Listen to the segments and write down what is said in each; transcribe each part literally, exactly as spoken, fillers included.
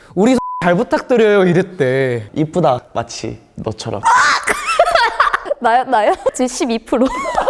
우리 잘 부탁드려요 이랬대. 이쁘다 마치 너처럼. 나요? 나요? 지금 십이 퍼센트.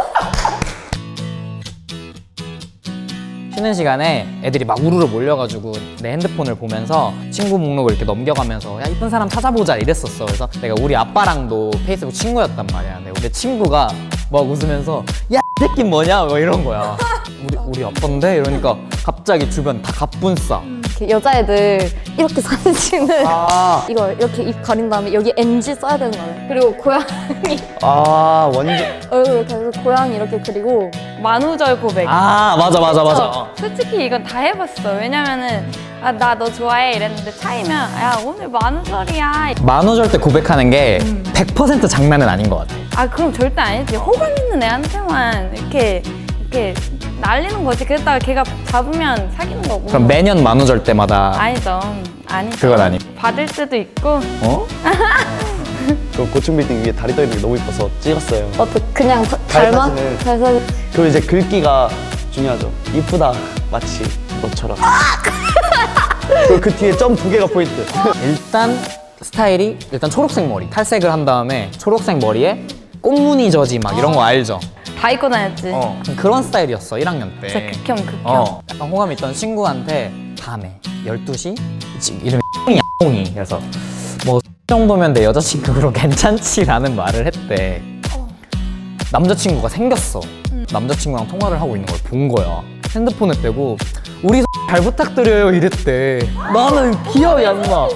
쉬는 시간에 애들이 막 우르르 몰려가지고 내 핸드폰을 보면서 친구 목록을 이렇게 넘겨가면서 야 이쁜 사람 찾아보자 이랬었어. 그래서 내가 우리 아빠랑도 페이스북 친구였단 말이야. 근데 우리 친구가 막 웃으면서 야 이 새끼 뭐냐 뭐 이런 거야. 우리 우리 아빠인데 이러니까 갑자기 주변 다 갑분싸. 이렇게 여자애들 이렇게 사진 찍는 아, 이걸 이렇게 입 가린 다음에 여기 엔지 써야 되는 거예요. 그리고 고양이 아 완전. 얼굴 이렇게 해서 고양이 이렇게 그리고 만우절 고백. 아 맞아 맞아 맞아. 솔직히 이건 다 해봤어. 왜냐면은 아, 나 너 좋아해 이랬는데 차이면 야 오늘 만우절이야. 만우절 때 고백하는 게 백 퍼센트 장난은 아닌 것 같아. 아 그럼 절대 아니지. 호감 있는 애한테만 이렇게 이렇게 날리는 거지. 그랬다가 걔가 잡으면 사귀는 거고. 그럼 매년 만우절 때마다 아니죠. 아니죠. 그건 아니고. 받을 때도 있고. 어? 그 고층 빌딩 위에 다리 떠 있는 게 너무 이뻐서 찍었어요. 어떻게 그냥 다- 잘 닮아? 사진을. 잘 사진. 그리고 이제 글귀가 중요하죠. 이쁘다 마치 너처럼. 그리고 그 뒤에 점 두 개가 포인트. 일단 스타일이 일단 초록색 머리 탈색을 한 다음에 초록색 머리에 꽃무늬 저지 막 이런 거 알죠? 다 입고 다녔지. 어 그런 스타일이었어 일 학년 때. 진짜 극혐 극혐. 어 약간 호감 있던 친구한테 밤에 열두 시 지금 이름이 뽕이 그래서 뭐 정도면 내 여자친구로 괜찮지라는 말을 했대. 남자친구가 생겼어. 남자친구랑 통화를 하고 있는 걸 본 거야. 핸드폰을 빼고 우리 잘 부탁드려요 이랬대. 나는 기억이 안 나.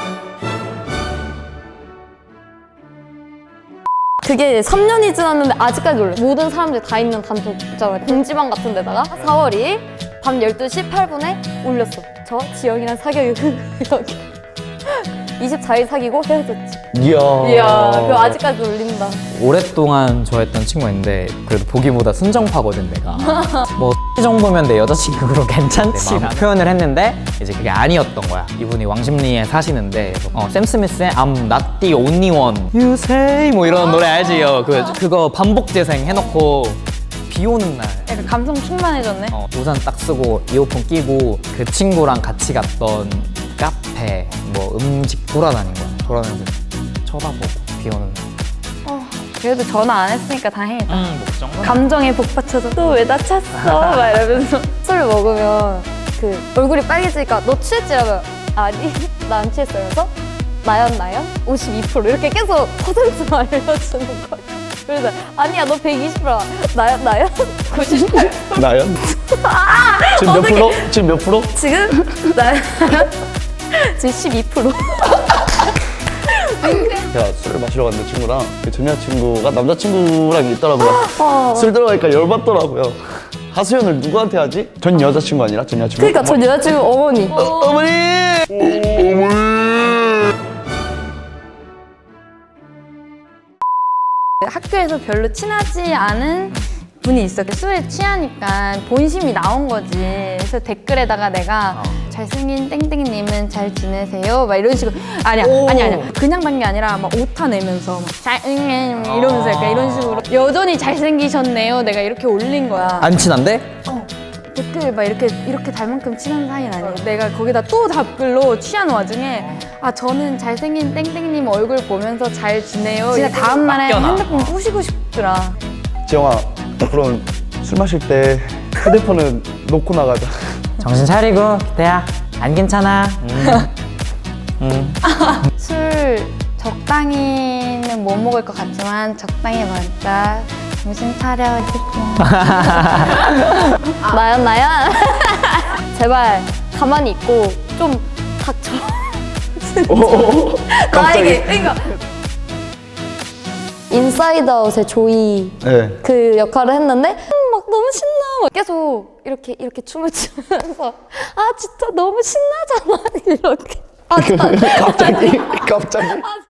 그게 삼 년이 지났는데 아직까지 올려. 모든 사람들이 다 있는 단톡 있잖아요. 공지방 같은 데다가 사월 이일 밤 열두 시 팔 분에 올렸어. 저 지영이랑 사귀어요. 이렇게. 이십사 일 사귀고 헤어졌지. 이야. 이야, 그거 아직까지 올린다. 오랫동안 좋아했던 친구인데 그래도 보기보다 순정파거든 내가. 뭐 정도면 내 여자친구로 괜찮지라는 표현을 했는데 이제 그게 아니었던 거야. 이분이 왕십리에 사시는데 어, 샘 스미스의 I'm not the only one You say 뭐 이런 노래 알지? 요 그, 그거 반복 재생 해놓고 비 오는 날 약간 감성 충만해졌네. 어, 우산 딱 쓰고 이어폰 끼고 그 친구랑 같이 갔던 카페 뭐 음식 돌아다닌 거야. 돌아다니면서 쳐다보고 비 오는 날. 그래도 전화 안 했으니까 다행이다. 음, 뭐 정도? 감정에 복받쳐서 또 왜 나 찼어? 막 이러면서. 술 먹으면 그 얼굴이 빨개지니까 너 취했지라면 아니 나 안 취했어. 그래서 나연 나연 오십이 퍼센트 이렇게 계속 퍼센트만 알려주는 거야. 그래서 아니야 너 백이십 퍼센트 나연 나연 구십팔 퍼센트 나연? 지금 몇 프로? 지금 몇 프로? 지금 나연 지금 십이 퍼센트 제가 술을 마시러 갔는데 친구랑 그 전 여자친구가 남자친구랑 있더라고요. 어. 술 들어가니까 열받더라고요. 하소연을 누구한테 하지? 전 여자친구 아니라 전 여자친구. 그러니까 전 여자친구 어머니 어, 어머니! 학교에서 별로 친하지 않은 분이 있어. 술에 취하니까 본심이 나온 거지. 그래서 댓글에다가 내가 잘생긴 땡땡님은 잘 지내세요? 막 이런 식으로. 아니야, 아니야, 아니야. 그냥 단 게 아니라 막 오타 내면서 막 잘생긴 이러면서 약간 이런 식으로. 여전히 잘생기셨네요. 내가 이렇게 올린 거야. 안 친한데? 댓글 막 이렇게 이렇게 달 만큼 친한 사이는 아니에요. 내가 거기다 또 답글로 취한 와중에 아 저는 잘생긴 땡땡님 얼굴 보면서 잘 지내요. 진짜 다음 날에 핸드폰 부시고 싶더라. 지영아, 그럼 술 마실 때 휴대폰은 놓고 나가자. 정신 차리고 기태야 안 괜찮아. 음. 음. 술 적당히는 못 먹을 것 같지만 적당히 먹자. 정신 차려. 나연 나연 제발 가만히 있고 좀 닥쳐. 오, 나에게 그러니까 인사이드 아웃의 조이 네. 그 역할을 했는데 음, 막 너무 신나 막 계속 이렇게 이렇게 춤을 추면서 아 진짜 너무 신나잖아 이렇게 아, 갑자기, 갑자기.